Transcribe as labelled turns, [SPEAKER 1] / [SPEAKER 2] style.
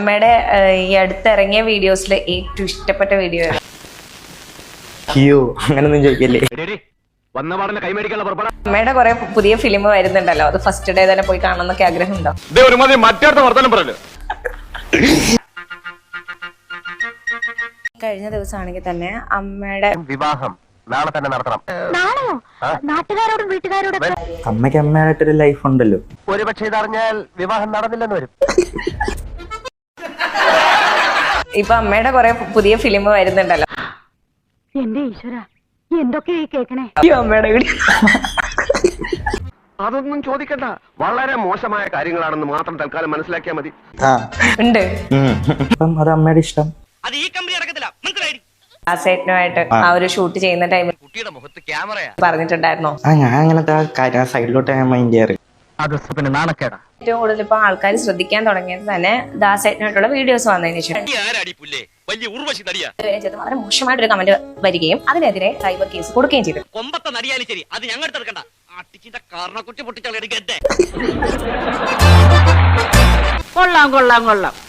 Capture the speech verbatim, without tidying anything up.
[SPEAKER 1] അമ്മയുടെ ഈ അടുത്തിറങ്ങിയ വീഡിയോസിൽ ഏറ്റവും ഇഷ്ടപ്പെട്ട വീഡിയോ ആണ്?
[SPEAKER 2] അയ്യോ അങ്ങനൊന്നും ചോദിക്കല്ലേ.
[SPEAKER 1] അമ്മയുടെ കുറെ പുതിയ ഫിലിം വരുന്നുണ്ടല്ലോ, അത് ഫസ്റ്റ് ഡേ തന്നെ പോയി കാണണമെന്നൊക്കെ ആഗ്രഹമുണ്ടോ? കഴിഞ്ഞ ദിവസമാണെങ്കിൽ തന്നെ അമ്മയുടെ
[SPEAKER 3] വിവാഹം നാളെ തന്നെ നടത്തണം.
[SPEAKER 4] നാളെയോ? നാട്ടുകാരോടും വീട്ടുകാരോടും
[SPEAKER 2] അമ്മയ്ക്ക് അമ്മയായിട്ടൊരു ലൈഫ് ഉണ്ടല്ലോ.
[SPEAKER 3] ഒരുപക്ഷെ ഇതറിഞ്ഞാൽ വിവാഹം നടന്നില്ലെന്ന് വരും.
[SPEAKER 1] ഇപ്പൊ അമ്മയുടെ കുറെ പുതിയ ഫിലിം വരുന്നുണ്ടല്ലോ.
[SPEAKER 4] എന്റെ ഈശ്വര, എന്തൊക്കെയാ ഈ കേക്കണേ?
[SPEAKER 1] അമ്മയുടെ വീഡിയോ
[SPEAKER 3] അതൊന്നും ചോദിക്കണ്ട, വളരെ മോശമായ കാര്യങ്ങളാണെന്ന് മാത്രം തൽക്കാലം മനസ്സിലാക്കിയാൽ മതി.
[SPEAKER 2] ആ
[SPEAKER 1] ഉണ്ട്.
[SPEAKER 2] അപ്പം അത് അമ്മയുടെ ഇഷ്ടം.
[SPEAKER 1] ആസേട്ടനുമായിട്ട് ആ ഒരു ഷൂട്ട് ചെയ്യുന്ന ടൈമിൽ
[SPEAKER 3] കുട്ടിയുടെ മുഖത്ത് ക്യാമറയാ
[SPEAKER 1] പറഞ്ഞിട്ടുണ്ടായിരുന്നോ?
[SPEAKER 2] ആ ഞാൻ അങ്ങനത്തെ ആ കാര്യം സൈഡിലോട്ട് ഞാൻ മൈൻഡ് ചെയ്യാറ്.
[SPEAKER 3] അത് പിന്നെ നാണക്കേടാ.
[SPEAKER 1] ഏറ്റവും കൂടുതൽ ഇപ്പൊ ആൾക്കാർ ശ്രദ്ധിക്കാൻ തുടങ്ങിയത് തന്നെ ദാസേട്ടനായിട്ടുള്ള വീഡിയോസ് വന്നതിന് ശേഷം വളരെ മോശമായിട്ടൊരു കമന്റ് വരികയും അതിനെതിരെ സൈബർ കേസ് കൊടുക്കുകയും ചെയ്തു.
[SPEAKER 5] കൊമ്പത്തെ നടിയാലും ശരി, അത് ഞങ്ങൾ എടുത്തെടുക്കണ്ട. കാരണക്കുറ്റി പൊട്ടിച്ചാൽ
[SPEAKER 4] കൊള്ളാം കൊള്ളാം കൊള്ളാം.